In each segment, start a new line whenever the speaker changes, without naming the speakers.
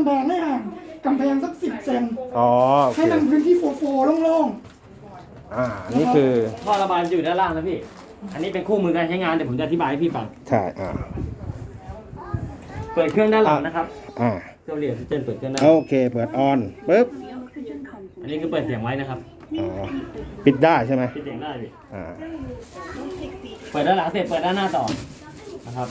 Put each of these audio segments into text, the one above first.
ำแพงให้ห่างกำแพงสัก10 เซน
อ๋อโอเค
ให้มันพื้นที่โฟล์โล่ง
นี่คือ
ท่อระบายจะอยู่ด้านล่างนะพี่ อันนี้เป็นคู่มือการใช้งานเดี๋ยวผมจะอธิบายให้พี่ฟัง
ใช่
เปิดเครื่องด้านหลังนะครับ
อ่า
เครื่องเรียนเจนเปิดเครื่องด้านห
โอ
ลัง
เคเปิดออนปึ๊บ
อันนี้คือเปิดเสียงไว้นะครับ
อ๋อปิดได้ใช่ไหม
ปิดเสียงได้พี่
อ่า
เปิดด้านหลังเสร็จเปิดด้านหน้าต่อนะครับ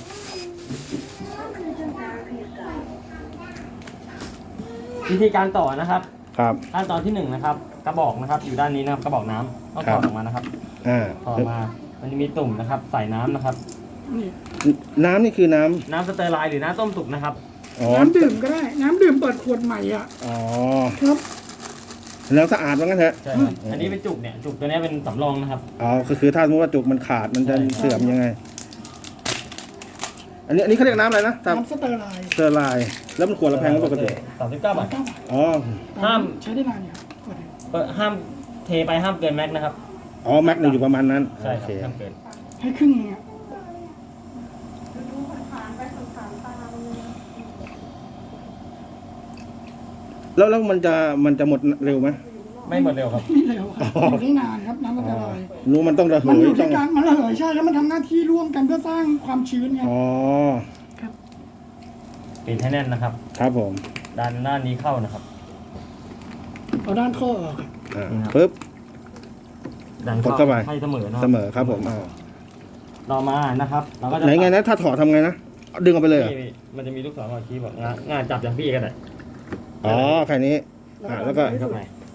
วิธีการต่อนะครับ
ครับ
ขั้นตอนที่1นะครับกระบอกนะครับอยู่ด้านนี้นะครับกระบอกน้ำต้องถอดออกมานะครับ
อ่า
ถอดมามันจะมีตุ่มนะครับใส่น้ำนะครับ
ๆนี่
น้ำนี่คือน้
น้ำสเตอร์ไลน์หรือน้ำต้มสุกนะครับ
ำอ๋อ
น้ำดื่มก็ได้ น้ำดื่มเปิดขวดใหม่อ่ะ
อ๋อ
ครับ
แล้วสะอาดว่างั้นเถอะ
ใช่ครับอันนี้เป็นจุกเนี่ยจุกตัวนี้เป็นสำรองนะครับ
อ๋อคือถ้าสมมติว่าจุกมันขาดมันจะ
ใช่
เสื่อมยังไง อันนี้เขาเรียกน้ำอะไรนะตาม
น้ำสเตอร์ไลน์
เซอร์ไลน์แล้วมันขวดละแพงกว่าปกติ
39 บาท
อ๋อ
ห้าม
ใช้ได้นานเนี่ยขวดเดียว
ห้ามเทไปห้ามเกินแม็กนะครับ
อ๋อแม็กหนึ่งอยู่ประมาณนั้น
ใช่
โอ
ครั
เค
บห้ามเกิน
ให้ครึ่งนึงอ่ะ
แล้วมันจะหมดเร็วไหม
ไม่หมดเร็วครับ
ไม่เร็วครับอยู่ได้นานครับน้ำสเตอร์ไลน์
รู้มันต้องระเห
มัน
ย
อยู่
ต้อ
ที่
ง
การมันระเหยใช่แล้วมันทำหน้าที่ร่วมกันเพื่อสร้างความชื้นไง
อ๋อ
ปิดให้แน่นนะครับ
ครับผม
ด้านนี้เข้านะครับ
เอาด้านข้อออกครับ
อ่าปึ๊บ
ดัน
กดเข้าไป
ให้เสมอนะ
เสมอครับผมอ่า
ต่อมานะครับเราก็จะ
ไหนไงนะถ้าถอดทำไงนะดึงออกไปเลยเหรอ
นี่มันจะมีลูกศรบอกชี้บอกงานจับอย่างพี่กันเลย
อ๋อแค่นี้แล้วก็
เข้าไป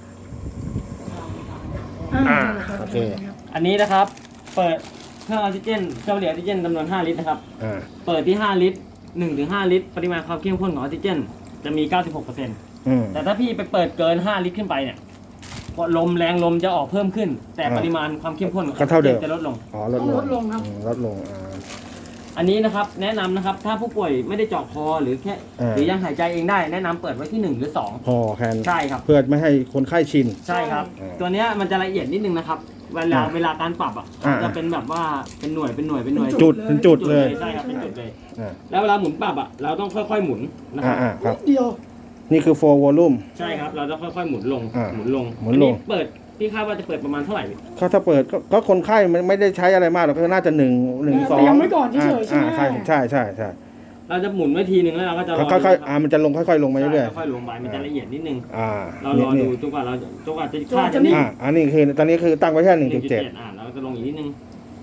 อ่า
นั่นแหละรับ
โอเค
อันนี้นะครับ เปิดเครื่องออกซิเจนเครื่องผลิตออกซิเจนจำนวน5 ลิตรนะครับ
อ่า
เปิดที่5 ลิตร1 ถึง 5 ลิตร ปริมาณความเข้มข้นของออกซิเจนจะมี 96% แต่ถ้าพี่ไปเปิดเกิน5 ลิตรขึ้นไปเนี่ยลมแรงลมจะออกเพิ่มขึ้น แต่ปริมาณความเข้มข้นของออกซิเจนจะลดลง
อ๋อลดลง
ลดลงครับ
ลดลง
อันนี้นะครับแนะนำนะครับถ้าผู้ป่วยไม่ได้เจาะคอหรือแค่หรือยังหายใจเองได้แนะนำเปิดไว้ที่1 หรือ
พอแคน
2 ใช่ครับ
เพื่อไม่ให้คนไข้ชิน
ใช่ครับ ตัวเนี้ยมันจะละเอียดนิดนึงนะครับ เวลาการปรับอ่ะ
อ่า
จะเป็นแบบว่าเป็นหน่วย
จุดเป็นจุดเลย
ใช่ครับเป็นจุดเลย
อ่า
แล้วเวลาหมุนปรับอ่ะเราต้องค่อยๆหมุนนะครับ
ครับ
เดียว
นี่คือ 4 volume
ใช่ครับเราจะค่อยๆหมุนลง หมุนลง
หมุนลง
อัเปิดพี่คาดว่าจะเปิดประมาณเท่าไหร่
ถ้าเปิดก็คนไข้ไม่ได้ใช้อะไรมากหรอกก็น่าจะ1 1 2
เตรียมไว้ก่อนเฉยๆใช่ไหม
ใช่
เราจะหมุนไว้ทีนึงแล้วเราก็จะรอ
ค่อยๆมันจะลงค่อยๆลงมาเรื่อย
ค่อยๆลงไปมันจะละเอียดนิดนึง
ๆ
เรารอดูจนกว่าจะค่าจะ
อันนี้คือตอนนี้คือตั้งไว้แค่ 1.7
เราจะลงอีกนิดนึง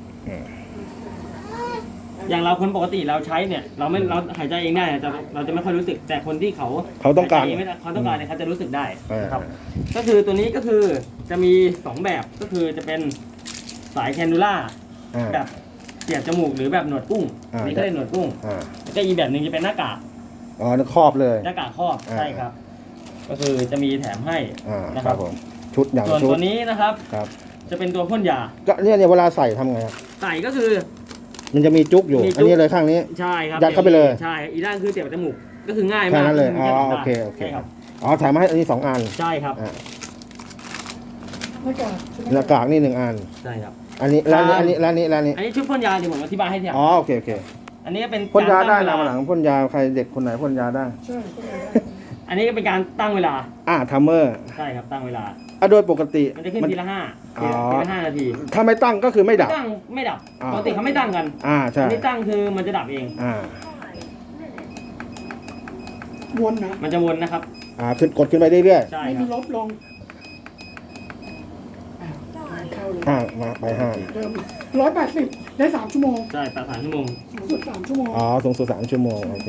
อย่างเราคนปกติเราใช้เนี่ยเราหายใจเองได้เราจะไม่ค่อยรู้สึกแต่คนที่เขา
ต้องการ
หยใจเไม่ได้เขาต้องการเนี่ยเขาจะรู้สึกได้นะครับ
อ่า
ก็คือตัวนี้ก็คือจะมี2แบบก็คือจะเป็นสายแคนนูล่าแบบเสียบจมูกหรือแบบหนวดกุ้งนี่ก็เรียกหนวดกุ้งแล้วก็อีกแบบหนึ่งจะเป็นหน้ากาก
อ๋อครอบเลย
หน้ากากครอบใช่ครับ ก็คือจะมีแถมให้นะ
ค
ค
รั
รั
บบ ผมชุดอย่าง
ส่วน
ชุด
ตัวนี้นะครับ
ครับ
จะเป็นตัวพ่นยา
ก็เนี่ยเวลาใส่ทำไงครับ
ใส่ก็คือ
มันจะมีจุกอยู่
มีจุ๊ก
อันนี้เลยข้างนี้
ใช่ครับ
ยัดเข้าไปเลย
ใช่อีกด้านคือเสียบจมูกก็คือง่าย
แค่
มาก
นั้นเลย
ก็
อ๋อ
แค่
โอเคโอเค
ใช่ครับ
อ๋อถ่ายมาให้อันนี้2 อัน
ใช่ครับ
หน้ากากใช่ไหม
หน้ากากนี่1 อัน
ใช่ครับ
อันนี้ร้านนี้อันนี้
อันนี้ชุดพ่นยาเดี๋ยวผมอธิบายให้ทีหลัง
อ๋อโอเค
อันนี้เป็น
พ่นยาได้
กร
นะ
ตั้ง
มา
เว
หลังพ่นยาใครเด็กคนไหนพ่นยาได้
ใช่
อันนี้ก็เป็นการตั้งเวลา
ทัมเมอร์
ใช่ครับตั้งเวลา
โดยปกติ
มันจะขึ้นทีละ
อ๋อ
ทีละ5 นาที
ถ้าไม่ตั้งก็คือไม่ดับ
ตั้งไม่ดับ
อ่า
ปกติเขาไม่ตั้งกัน
ใช่
อันนี้ตั้งคือมันจะดับเอง
วนนะ
มันจะวนนะครับ
ขึ้นกดขึ้นไปเรื่อย
ใช่
ไม่
ค
มี
รับ
ลบลงเข้าเลย
ๆมาไป5
เดิม180ได้3 ชั่วโมง
ใช่3 ชั่วโมง
สูงสุด3 ชั่วโมง
อ๋อสูงสุด3 ชั่วโมงโอเค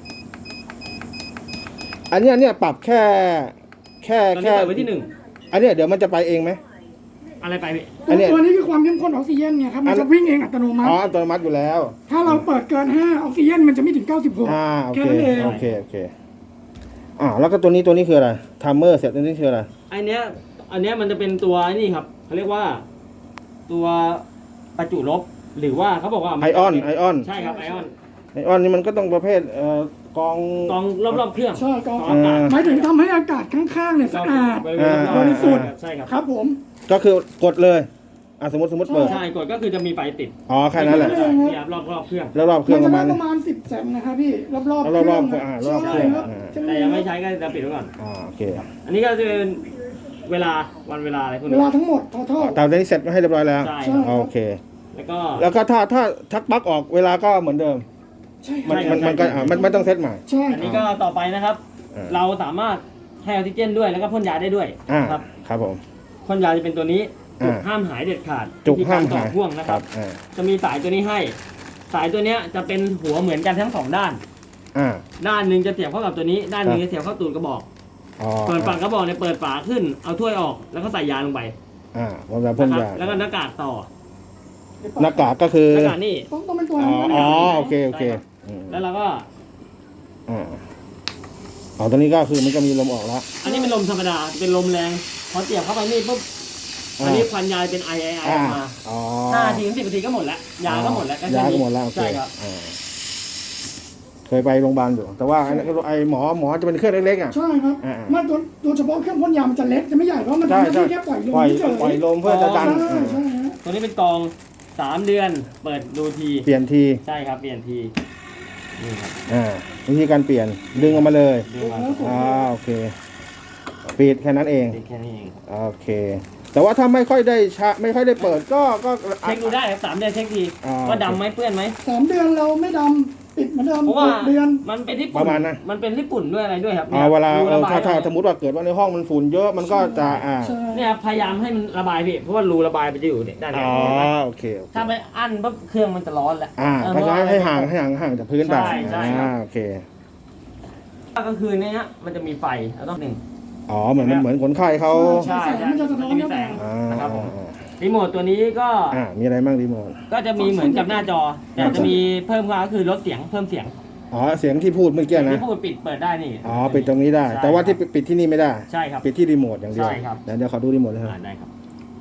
อันเนี้ยปรับแค่
ตอนนี้เปิดไว้ที่
อันเนี้ยเดี๋ยวมันจะไปเองไหม
1อะไรไปพี่
อันเนี้ย
ตัวนี้คือความเข้มข้นออกซิเจนเนี่ยครับมันจะวิ่งเองอัตโนมัติ
อัตโนมัติอยู่แล้ว
ถ้าเราเปิดเกิน5ออกซิเจนมันจะไม่ถึง96
โอ
แค่
เค
นั้นเอง
โอเคแล้วก็ตัวนี้คืออะไรทัมเมอร์เสร็จตัวนี้คืออะไร
อันเนี้ยมันจะเป็นตัวนี่ครับเขาเรียกว่าตัวประจุลบหรือว่าเขาบอกว่า
ไอออน
ใช่ครับไอออน
นี่มันก็ต้องประเภทกอง
กองรอบๆเครื่อง
ใช่ก็
อากาศ
หมายถึงทำให้อากาศข้างๆเนี่ยสะอาด
บริเวณรอบบ
ริสุทธิ์
ใช่ครับ
ครับผม
ก็คือกดเลยสมมติเปิด
ใช่กดก็คือจะมีไฟติด
อ๋อแค่นั้นแหละ
เนี่ยครับรอบเครื่อง
แล้วรอบเครื่
มั
อน ง
จะ
ประ
ได้
มาณ
ประมาณ10 แสงนะครับพี่รอบๆ
รอบๆ
เครื่อง
รอบเครื่อง
ใช่ครับ
แต่ยังไม่ใช้ก็จะปิดไว้ก่อน
โอเค
อันนี้ก็จะเป็นเวลาวันเวลาอะไรพวก
เว
นี้
ลาทั้งหมดทอทอ
เตานี้เสร็จมาให้เรียบร้อยแล้ว
ใช่
ใช่
โอเค
แล้วก็
แล้วก็ถ้าทักปลั๊กออกเวลาก็เหมือนเดิม
ใช่ค
มั
รั
น
บ
มันก็มันไม่ต้องเซตใหม่
ใช่
อันนี้ก็ต่อไปนะครับ เราสามารถให้ออกซิเจนด้วยแล้วก็พ่นยาได้ด้วย
ครับครับผม
พ่นยาจะเป็นตัวนี้จุก
อ่า
ห้ามหายเด็ดขาด
จุก
วิธี
ห้าม
ต่อ
หาย
พ่วงนะครับ จะมีสายตัวนี้ให้ สายตัวเนี้ยจะเป็นหัวเหมือนกันทั้งสองด้าน
อ่า
ด้านหนึ่งจะเสียบเข้ากับตัวนี้ ด้านหนึ่งจะเสียบเข้าตูดกระบอก
อ๋อ
เปิดฝากระบอกเนี่ยเปิดฝาขึ้น เอาถ้วยออก แล้วก็ใส่ยาลงไป
ผมจะพ่น
นะครับ
ยา
แล้วก็หน้ากากต่อ
หน้ากากก็คือ
หน้ากากนี่
ต้องเป็นตัว
อ๋
นั้น
อ
นะ
โอเคโอเค
แล้วเราก็
ตัวนี้ก็คือมันก็มีลมออกแล้ว
อันนี้เป็นลมธรรมดา เป็นลมแรง พอเสียบเข้าไปนี่ปุ๊บ อันนี้ควันยาเป็นไอออกมา
อ๋อ
5 ถึง 10 นาทีก็หมดแล้ว ยาก็หมดแล้ว
ยาก็หมดแล้วโอเค
ใช่ครับ
เคยไปโรงพยาบาลอยู่แต่ว่าไอ้หมอจะเป็นเครื่องเล็กๆอ่ะ
ใช่ครับมาตัวเฉพาะเครื่องพ่นยามันจะเล็กจะไม่ใหญ่เพราะมันทำหน้าที่แค่ปล่อยลมเฉย
ปล่อยลมเพื่อจะดัน
ใช่ใช่ฮะ
ตัวนี้เป็นกอง 3 เดือน เปิดดูที
เปลี่ยนที
ใช่ครับ เปลี่ยนที นี่ครับ
วิธีการเปลี่ยนดึงออกมาเลย
ดูมา
โอเคปิดแค่นั้นเอง
แค่นี้เอง
โอเค แต่ว่าถ้าไม่ค่อยได้ไม่ค่อยได้เปิดก็
เช็คดูได้ครับ3 เดือนเช็คที ว่าดำไหมเปื้อนไหม
3 เดือนเราไม่ดำปิดเหมือนเดิม
เพราะว่า
6 เดือน
มันเป็นที่
ป
ปุ่น
ระมาณนั้น
มันเป็นที่ปุ่นด้วยอะไรด้วยครับ
เวลา
รูระบย
ถ้าสมมติว่าเกิดว่าในห้องมันฝุ่นเยอะมันก็จะ
ใช่
เนี่ยครับพยายามให้มันระบายพี่เพราะว่ารูระบายมันจะอยู่เนี่ยด้านนี้
โอเค
ถ้าไปอั้นปุ๊บเครื่องมันจะร้อนแหละ
เพราะฉะนั้นให้ห่างจากพื้นไป
ใช่ครับ
โอเค
ก็คือในเนี้ยมันจะมีไฟแล้วต้องหนึ่ง
เหมือนคนไข้เขา
ใช่
แสงมันจะสะท้อน
มี
เข้า
แส
ไป
งนะครับผมรีโมทตัวนี้ก็
มีอะไรบ้างรีโมท
ก็จะมีเหมือนกับหน้าจอ แต่จะมีเพิ่มก็คือลดเสียงเพิ่มเสียง
เสียงที่พูดเมื่อกี้นะ
ที่พูดปิดเปิดได้นี่
ปิดตรงนี้ได้ แต่ว่าที่ปิดที่นี่ไม่ได้
ใช่ครับ
ปิดที่รีโมทอย่างเดียว
ใช่ครับ
เดี๋ยวขอดูรีโมทเลยครับ
ได้ครับ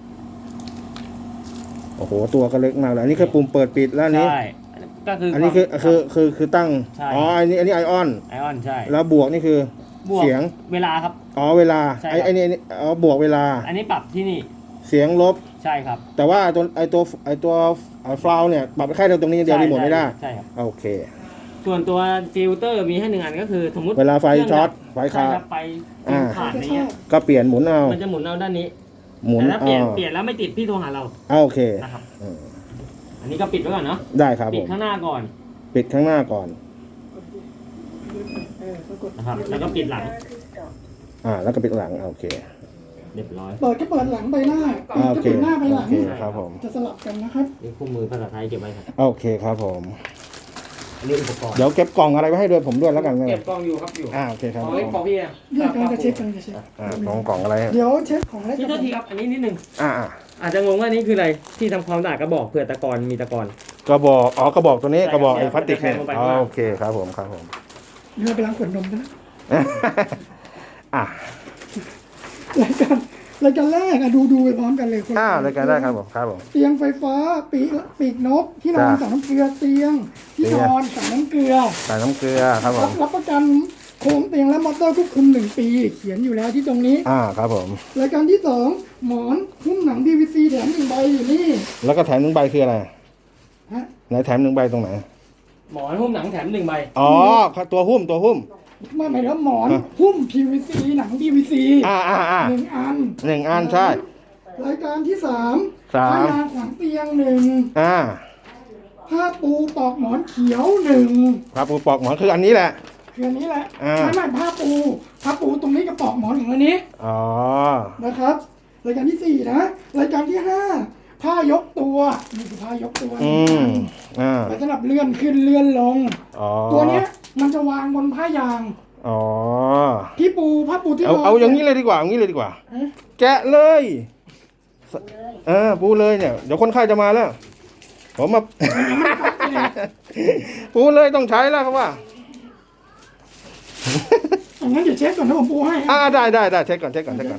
โอ้โหตัวก็เล็กมากเลยอันนี้คือปุ่มเปิดปิดแล้วอันนี้
ใช่ก็คือ
อั
อั
นนี้คือตั้ง
ใช่
อันนี้ไอออน
ไอออนใช่
แล้วบวกนี่คือบ
วก
เสียง
เวลาครับ
เวลา
ใช่ครับ
ไอ้นี่บวกเวลา
อันนี้ปรับที่นี่
เสียงลบ
ใช่ครับ
แต่ว่าตัวฟลาวเนี่ยปรับแค่ตรงนี้เดียวรีโมทไม่ได้
ใช่ครับ
โอเค
ส่วนตัวฟิลเตอร์มีให้1 อันก็คือสมมติ
เวลาไฟ
เครื่ง
ช็อต
ดับ
ไฟ
ใช่
ขาด
ครับไฟ ขาด
ก็
อะไร
ชอ
เงี้ย
บ
ก็เปลี่ยนหมุนเอา
มันจะหมุนเอาด้านนี้
หมุน
แต่ถ้าเปลี่ยนแล้วไม่ติดพี่โทรหาเรา
โอเค
นะครับ
อืม
อันนี้ก็ปิดไว้ก่อนเนาะ
ได้ครับ
ปิ
ผ
ด
ม
ข้างหน้าก่อน
ปิดข้างหน้าก่อน
ปรากฏ
นะครับ แล้วก็ปิดหลัง
แล้วก็ปิดหลังโอเค
เรียบร้อย
เปิดก็เปิดหลังไปหน้าปิด
โอ
ก็
เค
ปิดหน้าไปห
โอ
ลัง
เคครับผม
จะสลับกันนะครับ
นี่คู่มือภาษาไทยเก็บไว้ครับ
โอเคครับผม
อันนี้อุปกรณ์
เดี๋ยวเก็บกล่องอะไรไว้ให้ด้วยผมด้วยแล้วกัน
เก็บกล้องอยู่ครับอยู่
โอเคครับ
ข
ผ
องเล็ก
ม
ของพี่อะ
เรื่องการจะเช็คกันจะเช็ค
กล่องอะไร
เดี๋ยวเช็คของเล็ก
พี่โทษทีครับ อันนี้นิดนึง
อ่า
อาจจะงงว่านี่คืออะไร ที่ทำความสะอาดกระบอกเผื่อตะกอนมีตะกอน
กระบอกกระบอกตัวนี้
ใช่
กระบอก
ครับ
ไอ้พลาสติกเนี่ย
จะแทงลงไปข้างล่าง
โอเคครับผมครับผม
เดี๋ยวไปล้างขวดนมกันนะ
อ่ะ
รายการแรกดูไปพร้อมกันเลยคน
รายการได้ครับผมครับผม
เตียงไฟฟ้าปีกนกที่นอน
จ้ะ
ใส่น้ำเกลือเตียงที่นอนใส่น้ำเกลือ
ใส่น้ำเกลือครับผม
รับประกันโครงเตียงและมอเตอร์ควบคุม1 ปี เขียนอยู่แล้วที่ตรงนี้
ครับผม
รายการที่ 2 หมอนหุ้มหนัง DVC แถม1 ใบอยู่นี่
แล้วก็แถม1 ใบคืออะไร
ฮะ
ไหนแถม1 ใบตรงไหน
หมอนหุ้มหนังแถม1 ใบ
ตัวหุ้ม
ไม่หมายถึงหมอนหุ้ม PVC หนัง DVC 1 อัน
1 อันใช่
รายการที่ 3
สาม
ผ้ายางขวางเตียง 1 ผ้าปูปลอกหมอนเขียว1
ครับปูปอกหมอนคืออันนี้แหละ
คืออันนี้แหละ
อ่า
ไม่ผ้าปูตรงนี้กับปลอกหมอนของอันนี้
อ๋อ
นะครับรายการที่ 4 นะรายการที่ 5 ผ้ายกตัวนี่คือผ้ายกตัว ไว้สำหรับเลื่อนขึ้นเลื่อนลง ตัวเนี้ยมันจะวางบนผ้ายาง ผ้าปูที่
เอาอย่างนี้เลยดีกว่าแกะเลยปูเลยเนี่ยเดี๋ยวคนไข้จะมาแล้วผมมา ปูเลยต้องใช้แล้วครับว่า
งั้นเดี๋ยวเช็คก่อนนะผมปูให้
ได้เช็คก่อนใช่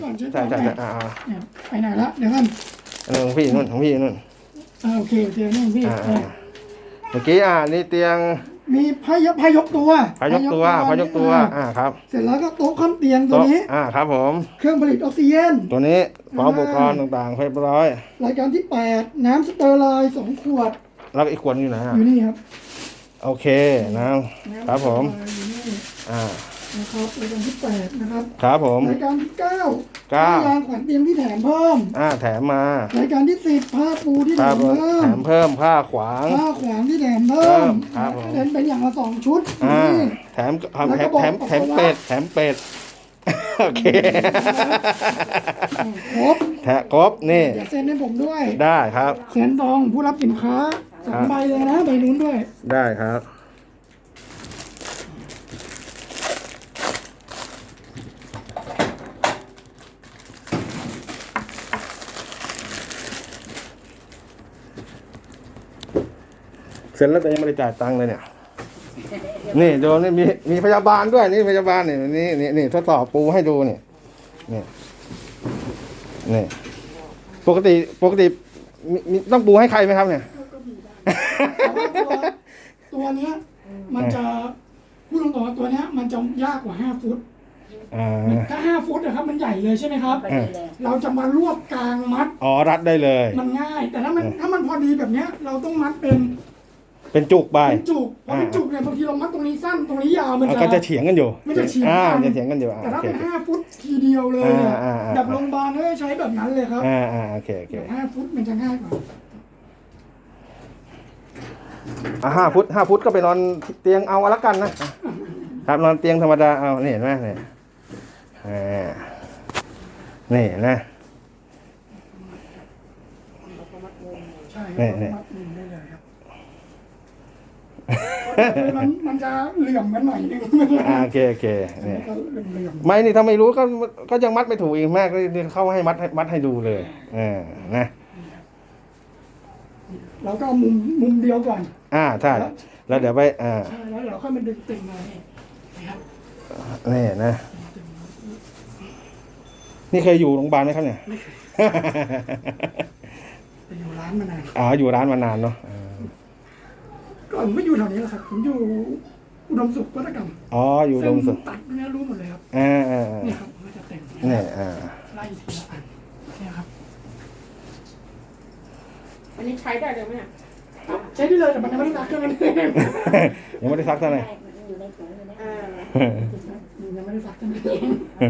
ไปไหนละเดี๋ยวกัน
ของพี่นู่น
โอเคนี่พี่
เมื่อกี้นี่เตียง
มีพายกตัว
พายกตัวครับ
เสร็จแล้วก็โต๊ะข้ามเตียงตัวนี้
ครับผม
เครื่องผลิตออกซิเจน
ตัวนี้พร้อมอุปกรณ์ต่างๆเรียบร้อย
รายการที่ 8 น้ำสเตอร์ไลน์2 ขวด
แล้วอีกขวดอยู่ไหน
อยู่นี่ครับ
โอเคนะครับผม
อยู่นี่ นะครับรายการที่ 8 นะครับ
ครับผม
รายการที่ 9 ผ้ายางขวัญเตียงที่แถมเพิ่ม
แถมมาร
ายการที่ 10 ผ้าปูที่แถมเพิ่ม
แถมเพิ่มผ้าขวาง
ผ้าขวางที่แถมเพิ่ม
ครับผม
เป็นอย่างละ2 ชุด
แถมเป็ดโอเค
ครบ
ครบนี่
เดี๋ยวเซ็นให้ผมด้วย
ได้ครับ
เซ็นตองผู้รับสินค้า2 ใบเลยนะใบนู้นด้วย
ได้ครับเสร็จแล้วแต่ยังไม่ได้จ่ายตังค์เลยเนี่ย นี่ดูนี่มีพยาบาลด้วยนี่พยาบาลนี่ทดสอบปูให้ดูนี่ปกติมีต้องปูให้ใครไหมครับเนี่ย
ตัวเนี้ยมันจะพูดตรงๆว่าตัวเนี้ยมันจะยากกว่า5 ฟุตถ้า5 ฟุตนะครับมันใหญ่เลยใช่ไหมครับ เราจะมารวบกลางมัด
รัดได้เลย
มันง่าย แต่ถ้ามันพอดีแบบเนี้ยเราต้องมัดเป็น
จุกไป
เป็นจุกพอเป็นจุกเนี่ยบางทีเรามัดตรงนี้สั้นตรงนี้ยาวมัน
ก็จะเฉียงกันอยู่
มันจะเฉียงกัน
อยู่
แต่ถ้าเป็น5 ฟุตทีเดียวเลยเนี่ยแบบโรงพยาบาลก็ใช้แบบนั้นเลยครับ
โอเค
5 ฟุตมันจะง่ายกว่า
5 ฟุตก็ไปนอนเตียงเอาละกันนะครับนอนเตียงธรรมดาเอานี่เห็นไหมนี่นะ
ใช่นี่มันจะเหลื่อมกันหน่อยนึง
โอเคนี่ไม่นี่ถ้าไม่รู้ก็ยังมัดไม่ถูกอีกแม่ก็เข้าให้มัดให้ดูเลยนะ
เราก็มุมเดียวก่อน
ใช่แล้วเดี๋ยวไป
ใช่แล้วเราค่อยมาดึงตึงมา
นี่นะนี่เคยอยู่โรงพยาบาลไหมครับเนี่ย
อยู่ร้านมานาน
อยู่ร้านมานานเนาะ
ก่อนไม่อยู่แถวนี้หรอกครับผมอยู่อุดมสุขวัฒกรรม
อยู่อุดมสุข
ตัดเนี่ยรู้หมดเลยครับนี่ครับมันจะแต่ง
นี่
ไล่ทีละอันนี่ครับ
อันนี้ใช้ได้เลยไหมเนี่ย
ใช้ได้เลยแต่มันยังไม่ได้ซักเท่านั้นเอง
ยังไม่ได้ซักเท่าไหร่
อยู่ในถุงอยู่ใน
ยังไม่ได้ซักเท่านั้นเอง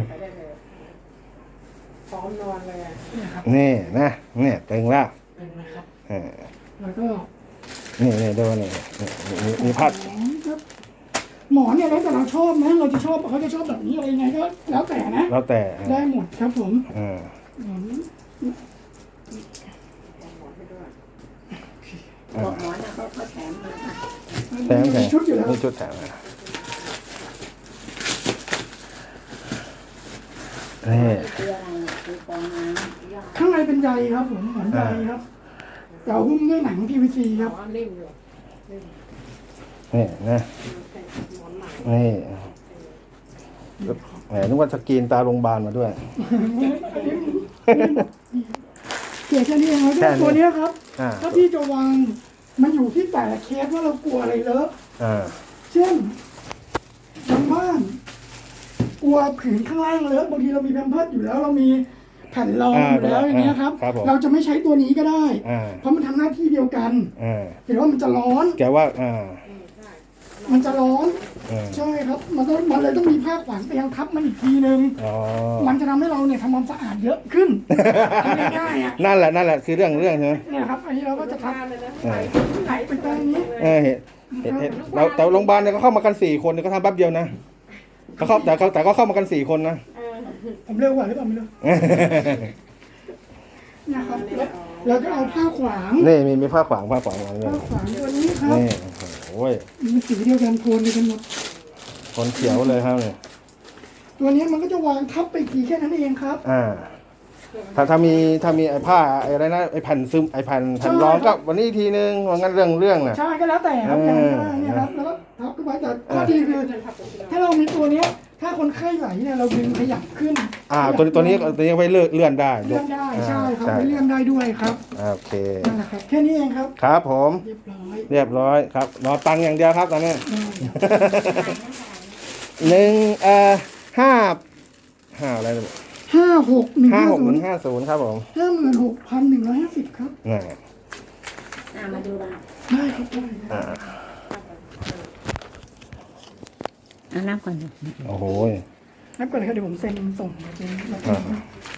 พร้อมนอนเลย
นี่นะเนี่ยตึงแล้ว
แล้วก็
นี่ดูนี่มีพัด
หมอนเนี่ยแล้วแต่เราชอบนะเราจะชอบเขาจะชอบแบบนี้อะไรยังไงก็แล้วแต่นะ
แล้วแต่
ได้หมดครับผม
บอกหมอนนะเขาแถมมา
ชุดอยู่แล้ว
ชุดแถม
ข้างในเป็นใยครับผมเหมือนใยครับเราหุ้มด้วยหนัง PVC ครับ
นี่นะนี่นึกว่าสกรีนตาโรงพยาบาลมาด้วย
เกี่ยวแค่นี้เองแล้วตัวนี้ครับถ้าพี่จะวางมันอยู่ที่แต่ละเคสว่าเรากลัวอะไรเลอะเช่นบางบ้านกลัวผืนข้างล่างเลอะบางทีเรามีแพมเพิร์สอยู่แล้วเรามีแผ่นรองอยู่แล้วอย่างเงี้ยครับเราจะไม่ใช้ตัวนี้ก็ได้เพราะมันทำหน้าที่เดียวกันเห็นว่ามันจะร้อน
แกว่า
มันจะร้อนใช่ครับมันเลยต้องมีผ้าขวางเตียงทับมันอีกทีนึงมันจะทำให้เราเนี่ยทำความสะอาดเยอะขึ้นง่ายๆ
นั่นแหละคือเรื่องใช่ไหม
เนี่ยครับอันนี้เราก็จะทำไหลไปตรงนี้
เราแต่โรงพยาบาลเนี่ยก็เข้ามากัน4 คนก็ทำแป๊บเดียวนะแต่ก็เข้ามากัน4 คนนะ
ผมเร็วกว่าหรือเปล่าไม่รู้นะครับแล้วก็เอาผ้าขวาง
นี่มีผ้าขวาง
ผ้าขวางตัวนี้ครับ
นี่โอ้ย
มันสีเดียวกันโทนเดียวกันหมด
โทนเขียวเลยครับเนี่ย
ตัวนี้มันก็จะวางทับไปทีแค่นั้นเองครับ
ถ้ามีไอ้ผ้าอะไรนะไอ้แผ่นซึมไอ้แผ่นรองก็วันนี้ทีนึงว่างั้นเรื่องน่ะ
ใช่ก็แล้วแต่ครับเนี่ยครับแล้วก็ทับขึ้นไปแต่ข้อดีคือถ้าเรามีตัวนี้ถ้าคนไข้ไหลเนี่ยเราดึงขยับขึ้น
ตัวนี้ไปเลื่อนได้
เลื่อนได้ใช่ครับไปเลื่อนได้ด้วยครับ
โอเค
นั่นแหละครับแค่นี้เองครับ
ครับผม
เรียบร้อย
เรียบร้อยครับรอตังค์อย่างเดียวครับตอนนี้ ห้าอะไร
56,150
ครับผม
56,150ครับ
น่ะ
มาดูบ้าง
ได้ครับได้ครับ
นับก่อน
โอ้โห
นับก่อนเลยครับเดี๋ยวผมเซ็นส่งไปเป็น